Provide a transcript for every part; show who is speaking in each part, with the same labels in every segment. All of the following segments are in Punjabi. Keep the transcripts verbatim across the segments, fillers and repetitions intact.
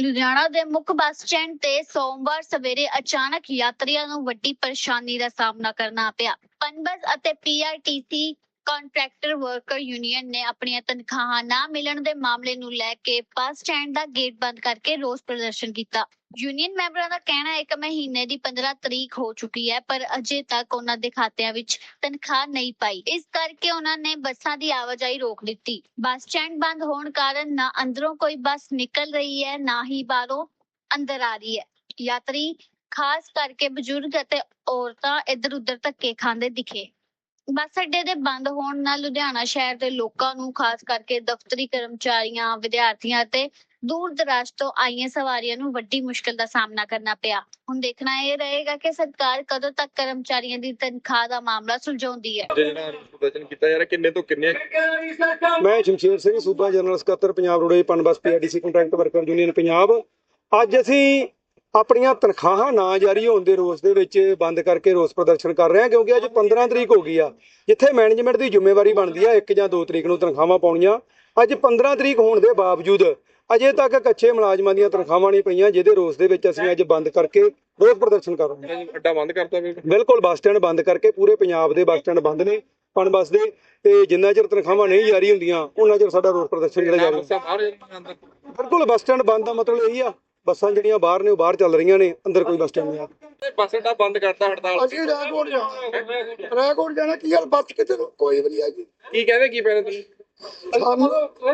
Speaker 1: ਲੁਧਿਆਣਾ ਦੇ ਮੁੱਖ ਬੱਸ ਸਟੈਂਡ ਤੇ ਸੋਮਵਾਰ ਸਵੇਰੇ ਅਚਾਨਕ ਯਾਤਰੀਆਂ ਨੂੰ ਵੱਡੀ ਪਰੇਸ਼ਾਨੀ ਦਾ ਸਾਹਮਣਾ ਕਰਨਾ ਪਿਆ। ਪਨਬਸ ਅਤੇ ਪੀਆਰਟੀਸੀ ਕੰਟਰੈਕਟਰ ਵਰਕਰ ਯੂਨੀਅਨ ਨੇ ਆਪਣੀਆਂ ਤਨਖਾਹਾਂ ਨਾ ਮਿਲਣ ਦੇ ਮਾਮਲੇ ਨੂੰ ਲੈ ਕੇ ਬੱਸ ਸਟੈਂਡ ਦਾ ਗੇਟ ਬੰਦ ਕਰਕੇ ਰੋਸ ਪ੍ਰਦਰਸ਼ਨ ਕੀਤਾ। ਯੂਨੀਅਨ ਮੈਂਬਰਾਂ ਦਾ ਕਹਿਣਾ ਹੈ ਕਿ ਮਹੀਨੇ ਦੀ ਪੰਦਰਾਂ ਤਰੀਕ ਹੋ ਚੁੱਕੀ ਹੈ, ਪਰ ਅਜੇ ਤੱਕ ਉਹਨਾਂ ਦੇ ਖਾਤਿਆਂ ਵਿੱਚ ਤਨਖਾਹ ਨਹੀਂ ਪਾਈ। ਇਸ ਕਰਕੇ ਉਹਨਾਂ ਨੇ ਬੱਸਾਂ ਦੀ ਆਵਾਜਾਈ ਰੋਕ ਦਿੱਤੀ। ਬੱਸ ਸਟੈਂਡ ਬੰਦ ਹੋਣ ਕਾਰਨ ਨਾ ਅੰਦਰੋਂ ਕੋਈ ਬੱਸ ਨਿਕਲ ਰਹੀ ਹੈ, ਨਾ ਹੀ ਬਾਹਰੋਂ ਅੰਦਰ ਆ ਰਹੀ ਹੈ। ਯਾਤਰੀ ਖਾਸ ਕਰਕੇ ਬਜ਼ੁਰਗ ਅਤੇ ਔਰਤਾਂ ਇੱਧਰ ਉੱਧਰ ਧੱਕੇ ਖਾਂਦੇ ਦਿਖੇ। ਬੱਸ ਅੱਡੇ ਦੇ ਬੰਦ ਹੋਣ ਨਾਲ ਲੁਧਿਆਣਾ ਸ਼ਹਿਰ ਦੇ ਲੋਕਾਂ ਨੂੰ ਖਾਸ ਕਰਕੇ ਦਫ਼ਤਰੀ ਕਰਮਚਾਰੀਆਂ, ਵਿਦਿਆਰਥੀਆਂ ਅਤੇ ਦੂਰ ਦਰਾਜ ਤੋਂ ਆਈਆਂ ਸਵਾਰੀਆਂ ਨੂੰ ਵੱਡੀ ਮੁਸ਼ਕਲ ਦਾ ਸਾਹਮਣਾ ਕਰਨਾ ਪਿਆ। ਹੁਣ ਦੇਖਣਾ ਇਹ ਰਹੇਗਾ ਕਿ ਸਰਕਾਰ ਕਦੋਂ ਤੱਕ ਕਰਮਚਾਰੀਆਂ ਦੀ ਤਨਖਾਹ ਦਾ ਮਾਮਲਾ ਸੁਲਝਾਉਂਦੀ ਹੈ।
Speaker 2: ਪ੍ਰਦਰਸ਼ਨ ਕੀਤਾ ਜਾ ਰਿਹਾ, ਕਿੰਨੇ ਤੋਂ ਕਿੰਨੇ?
Speaker 3: ਮੈਂ ਸ਼ਮਸ਼ੇਰ ਸਿੰਘ, ਸੂਬਾ ਜਨਰਲ ਸਕੱਤਰ Punjab roadways PUNBUS PRTC contract worker union Punjab. ਅੱਜ ਅਸੀਂ ਆਪਣੀਆਂ ਤਨਖਾਹਾਂ ਨਾ ਜਾਰੀ ਹੋਣ ਦੇ ਰੋਸ ਦੇ ਵਿੱਚ ਬੰਦ ਕਰਕੇ ਰੋਸ ਪ੍ਰਦਰਸ਼ਨ ਕਰ ਰਹੇ ਹਾਂ, ਕਿਉਂਕਿ ਅੱਜ ਪੰਦਰਾਂ ਤਰੀਕ ਹੋ ਗਈ ਆ। ਜਿੱਥੇ ਮੈਨੇਜਮੈਂਟ ਦੀ ਜ਼ਿੰਮੇਵਾਰੀ ਬਣਦੀ ਆ ਇੱਕ ਜਾਂ ਦੋ ਤਰੀਕ ਨੂੰ ਤਨਖਾਹਾਂ ਪਾਉਣੀਆਂ, ਅੱਜ ਪੰਦਰਾਂ ਤਰੀਕ ਹੋਣ ਦੇ ਬਾਵਜੂਦ ਅਜੇ ਤੱਕ ਕੱਚੇ ਮੁਲਾਜ਼ਮਾਂ ਦੀਆਂ ਤਨਖਾਹਾਂ ਨਹੀਂ ਪਈਆਂ, ਜਿਹਦੇ ਰੋਸ ਦੇ ਵਿੱਚ ਅਸੀਂ ਅੱਜ ਬੰਦ ਕਰਕੇ ਰੋਸ ਪ੍ਰਦਰਸ਼ਨ ਕਰ ਰਹੇ ਹਾਂ।
Speaker 2: ਅੱਡਾ ਬੰਦ ਕਰਤਾ
Speaker 3: ਬਿਲਕੁਲ, ਬੱਸ ਸਟੈਂਡ ਬੰਦ ਕਰਕੇ ਪੂਰੇ ਪੰਜਾਬ ਦੇ ਬੱਸ ਸਟੈਂਡ ਬੰਦ ਨੇ ਪਨਬਸ ਦੇ, ਤੇ ਜਿੰਨਾ ਚਿਰ ਤਨਖਾਹਾਂ ਨਹੀਂ ਜਾਰੀ ਹੁੰਦੀਆਂ ਉਹਨਾਂ ਚਿਰ ਸਾਡਾ ਰੋਸ ਪ੍ਰਦਰਸ਼ਨ ਜਿਹੜਾ ਜਾਰੀ। ਬਿਲਕੁਲ, ਬੱਸ ਸਟੈਂਡ ਬੰਦ ਦਾ ਮਤਲਬ ਇਹੀ ਆ, ਬੱਸਾਂ ਜਿਹੜੀਆਂ ਬਾਹਰ ਨੇ ਉਹ ਬਾਹਰ ਚੱਲ ਰਹੀਆਂ ਨੇ, ਅੰਦਰ ਕੋਈ ਬੱਸ ਸਟੈਂਡ ਨਹੀਂ ਆ।
Speaker 2: ਬੱਸ ਅੱਡਾ ਬੰਦ ਕਰਤਾ, ਹੜਤਾਲ।
Speaker 4: ਅਸੀਂ ਰੈਕੋਰਡ ਜਾਣਾ ਰੈਕੋਰਡ ਜਾਣਾ ਕੀ ਗੱਲ ਬੱਸ ਕਿਤੇ ਕੋਈ ਵੀ ਨਹੀਂ ਆਈ।
Speaker 2: ਕੀ ਕਹਿੰਦੇ ਕੀ ਪੈਣੇ ਤੁਸੀਂ?
Speaker 4: ਸਾਨੂੰ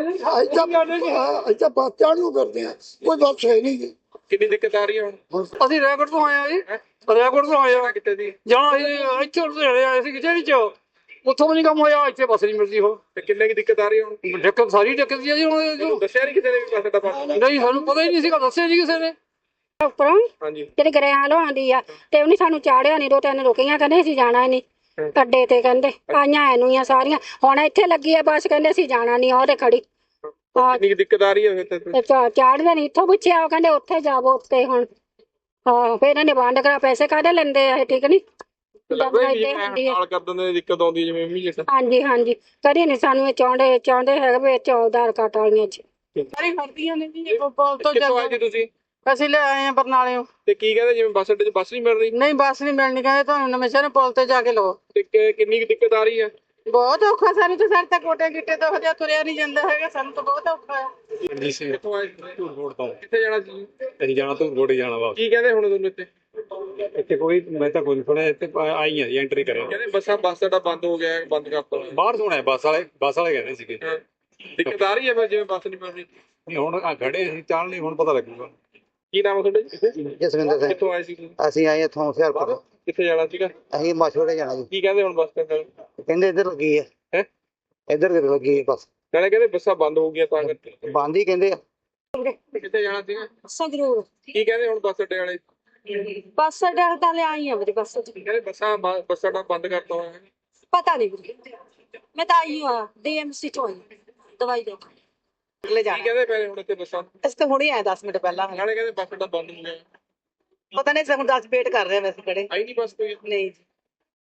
Speaker 4: ਅੱਛਾ ਬੱਸ ਚੜ੍ਹਨ ਨੂੰ ਕਰਦੇ ਆ, ਕੋਈ ਬੱਸ ਹੈ ਨਹੀਂ ਜੀ।
Speaker 2: ਕਿੰਨੀ ਦਿੱਕਤ ਆ ਰਹੀ ਹੈ ਹੁਣ?
Speaker 5: ਅਸੀਂ ਰੈਕੋਰਡ ਤੋਂ ਆਏ ਆ ਜੀ, ਰੈਕੋਰਡ ਤੋਂ ਆਏ ਆ।
Speaker 2: ਕਿੱਥੇ ਦੀ
Speaker 5: ਜਾਣਾ ਅਸੀਂ ਇੱਥੇ ਲੁਧਿਆਣੇ ਆਏ ਸੀ ਕਿਤੇ ਚ, ਉੱਥੋਂ ਵੀ ਨਹੀਂ ਕੰਮ ਹੋਇਆ, ਇੱਥੇ ਬੱਸ ਨਹੀਂ ਮਿਲਦੀ। ਹੁਣ
Speaker 2: ਤੇ ਕਿੰਨੇ ਕੀ ਦਿੱਕਤ ਆ ਰਹੀ ਹੈ ਹੁਣ?
Speaker 5: ਦਿੱਕਤ ਸਾਰੀ ਦਿੱਕਤ ਜੀ ਹੁਣ।
Speaker 2: ਦੱਸਿਆ ਨਹੀਂ ਕਿਸੇ ਨੇ ਵੀ ਬੱਸ ਅੱਡਾ ਬੰਦ?
Speaker 5: ਨਹੀਂ, ਸਾਨੂੰ ਪਤਾ ਹੀ ਨਹੀਂ ਸੀਗਾ, ਦੱਸਿਆ ਜੀ ਕਿਸੇ ਨੇ।
Speaker 6: ਉੱਪਰੋਂ
Speaker 2: ਹਾਂਜੀ,
Speaker 6: ਜਿਹੜੀ ਗਰੇਆਂ ਲਵਾਉਂਦੀ ਆ ਤੇ ਉਹਨੇ ਸਾਨੂੰ ਚਾੜਿਆ ਨਹੀਂ, ਦੋ ਤਿੰਨ ਰੁਕੀਆਂ, ਕਹਿੰਦੇ ਅਸੀਂ ਜਾਣਾ ਨਹੀਂ ਅੱਡੇ ਤੇ, ਕਹਿੰਦੇ ਆਈਆਂ ਐਨੂਆਂ ਸਾਰੀਆਂ। ਹੁਣ ਇੱਥੇ ਲੱਗੀ ਆ ਬੱਸ, ਕਹਿੰਦੇ ਅਸੀਂ ਜਾਣਾ ਨਹੀਂ, ਉਹਦੇ ਖੜੀ
Speaker 2: ਕਿੰਨੀ ਦਿੱਕਤ ਆ ਰਹੀ ਹੈ ਫਿਰ?
Speaker 6: ਚਾੜਦੇ ਨਹੀਂ, ਇੱਥੋਂ ਪੁੱਛਿਆ ਉਹ ਕਹਿੰਦੇ ਉੱਥੇ ਜਾਵੋ ਉੱਤੇ। ਹੁਣ ਹਾਂ, ਫਿਰ ਇਹਨਾਂ ਨੇ ਬੰਦ ਕਰਾ, ਪੈਸੇ ਕਾਹਦੇ ਲੈਂਦੇ ਆ ਇਹ, ਠੀਕ ਨੀ।
Speaker 2: ਹੜਤਾਲ ਕਰ ਦਿੰਦੇ, ਦਿੱਕਤ ਆਉਂਦੀ ਜਿਵੇਂ ਇਮੀਡੀਏਟ।
Speaker 6: ਹਾਂਜੀ ਹਾਂਜੀ, ਕਦੀ ਨਹੀਂ ਸਾਨੂੰ ਇਹ ਚਾਹੁੰਦੇ ਚਾਹੁੰਦੇ ਹੈਗੇ ਵੀ ਇੱਥੇ ਆਧਾਰ ਕਾਰਡ ਵਾਲੀਆਂ ਚ
Speaker 5: ਸਾਰੀ ਖੜਦੀਆਂ ਨੇ ਜੀ। ਪੁਲ ਤੋਂ
Speaker 2: ਕਿੱਥੋਂ ਆਏ ਜੀ ਤੁਸੀਂ?
Speaker 5: ਅਸੀਂ ਲੈ ਆਏ ਆ ਬਰਨਾਲਿਓਂ।
Speaker 2: ਤੇ ਕੀ ਕਹਿੰਦੇ ਜਿਵੇਂ ਬੱਸ ਅੱਡੇ 'ਚ ਬੱਸ ਨਹੀਂ ਮਿਲ ਰਹੀ?
Speaker 5: ਨਹੀਂ, ਬੱਸ ਨਹੀਂ ਮਿਲਣੀ, ਕਹਿੰਦੇ ਤੁਹਾਨੂੰ ਨਵੇਂ ਸ਼ਹਿਰ ਪੁਲ ਤੇ ਜਾ ਕੇ ਲਓ।
Speaker 2: ਤੇ ਕਿ- ਕਿੰਨੀ ਕੁ ਦਿੱਕਤ ਆ ਰਹੀ ਹੈ?
Speaker 5: ਬਹੁਤ ਔਖਾ ਸਾਨੂੰ ਤਾਂ, ਸਾਡੇ ਤਾਂ ਕੋਟੇ ਗਿੱਟੇ ਤੋਂ ਹਜੇ ਤੁਰਿਆ ਨਹੀਂ ਜਾਂਦਾ ਹੈਗਾ, ਸਾਨੂੰ ਤਾਂ ਬਹੁਤ ਔਖਾ ਹੈ।
Speaker 3: ਜੀ ਸਿੰਘ,
Speaker 2: ਕਿੱਥੋਂ ਆਏ?
Speaker 3: ਧੂਰਕੋਟ ਤੋਂ।
Speaker 2: ਕਿੱਥੇ ਜਾਣਾ ਸੀ?
Speaker 3: ਅਸੀਂ ਜਾਣਾ ਧੂਰਕੋਟ ਹੀ ਜਾਣਾ ਵਾ।
Speaker 2: ਕੀ ਕਹਿੰਦੇ ਹੁਣ ਤੁਹਾਨੂੰ ਇੱਥੇ?
Speaker 3: ਇੱਥੇ ਕੋਈ ਮੈਂ ਤਾਂ ਕੋਈ ਨਹੀਂ ਸੁਣਿਆ, ਇੱਥੇ ਆਈ ਆ ਜੀ, ਐਂਟਰੀ ਕਰਿਆ।
Speaker 2: ਕਹਿੰਦੇ ਬੱਸਾਂ ਬੱਸ ਅੱਡਾ ਬੰਦ ਹੋ ਗਿਆ, ਬੰਦ ਕਰਤਾ।
Speaker 3: ਬਾਹਰ ਸੁਣਿਆ ਬੱਸ ਵਾਲੇ, ਬੱਸ ਵਾਲੇ ਕਹਿੰਦੇ ਸੀਗੇ।
Speaker 2: ਦਿੱਕਤ ਆ ਰਹੀ ਹੈ ਫਿਰ ਜਿਵੇਂ ਬੱਸ ਨਹੀਂ ਮਿਲ ਰਹੀ?
Speaker 3: ਨਹੀਂ, ਹੁਣ ਆ ਖੜੇ ਅਸੀਂ, ਚੱਲ ਨਹੀਂ, ਹੁਣ ਪਤਾ ਲੱਗੂਗਾ।
Speaker 2: ਕੀ ਨਾਮ ਹੈ ਤੁਹਾਡਾ ਜੀ?
Speaker 7: ਜਸਵਿੰਦਰ ਸਿੰਘ।
Speaker 2: ਕਿੱਥੋਂ ਆਏ ਸੀ ਤੁਸੀਂ?
Speaker 7: ਅਸੀਂ ਆਏ ਇੱਥੋਂ ਹੁਸ਼ਿਆਰਪੁਰ।
Speaker 2: ਕਿੱਥੇ ਜਾਣਾ ਸੀਗਾ?
Speaker 7: ਅਸੀਂ ਮਾਛੋੜੇ ਜਾਣਾ ਜੀ।
Speaker 2: ਕੀ ਕਹਿੰਦੇ ਹੁਣ ਬੱਸ ਸਟੈਂਡ ਵਾਲੇ?
Speaker 7: ਕਹਿੰਦੇ ਇੱਧਰ ਲੱਗੀ ਹੈ।
Speaker 2: ਹੈਂ?
Speaker 7: ਇੱਧਰ ਕਿਤੇ ਲੱਗੀ ਹੈ ਬੱਸ,
Speaker 2: ਨਾਲੇ ਕਹਿੰਦੇ ਬੱਸਾਂ ਬੰਦ ਹੋ ਗਈਆਂ ਤਾਂ ਕਰਕੇ।
Speaker 7: ਬੰਦ ਹੀ ਕਹਿੰਦੇ ਆ।
Speaker 2: ਕਿੱਥੇ ਜਾਣਾ ਸੀਗਾ?
Speaker 6: ਸੰਗਰੂਰ
Speaker 2: ਕੀ ਕਹਿੰਦੇ ਹੁਣ ਬੱਸ ਅੱਡੇ ਵਾਲੇ?
Speaker 6: ਬੱਸ ਅੱਡੇ ਤਾਂ ਲਿਆਈ ਆ ਮੇਰੀ ਬੱਸ ਚ,
Speaker 2: ਕਹਿੰਦੇ ਬੱਸਾਂ ਬ- ਬੱਸ ਅੱਡਾ ਬੰਦ ਕਰਤਾ ਹੋਇਆ ਹੈ।
Speaker 6: ਪਤਾ ਨਹੀਂ ਮੈਂ ਤਾਂ ਆਈ ਹਾਂ ਡੀਐਮਸੀ ਤੋਂ ਆਈ ਦਵਾਈ ਦੇ
Speaker 2: ਕੀ ਕਹਿੰਦੇ ਪਏ ਹੁਣ ਇੱਥੇ ਬੱਸਾਂ?
Speaker 8: ਅਸੀਂ ਤਾਂ ਹੁਣੇ ਆਏ ਦਸ ਮਿੰਟ ਪਹਿਲਾਂ।
Speaker 2: ਨਾਲੇ ਕਹਿੰਦੇ ਬੱਸ ਅੱਡਾ ਬੰਦ ਹੋ ਗਿਆ।
Speaker 8: ਪਤਾ ਨਹੀਂ, ਹੁਣ ਦਸ ਵੇਟ ਕਰ ਰਹੇ ਹਾਂ ਵੈਸੇ ਖੜੇ।
Speaker 2: ਆਈ ਨਹੀਂ ਬੱਸ ਕੋਈ?
Speaker 8: ਨਹੀਂ ਜੀ।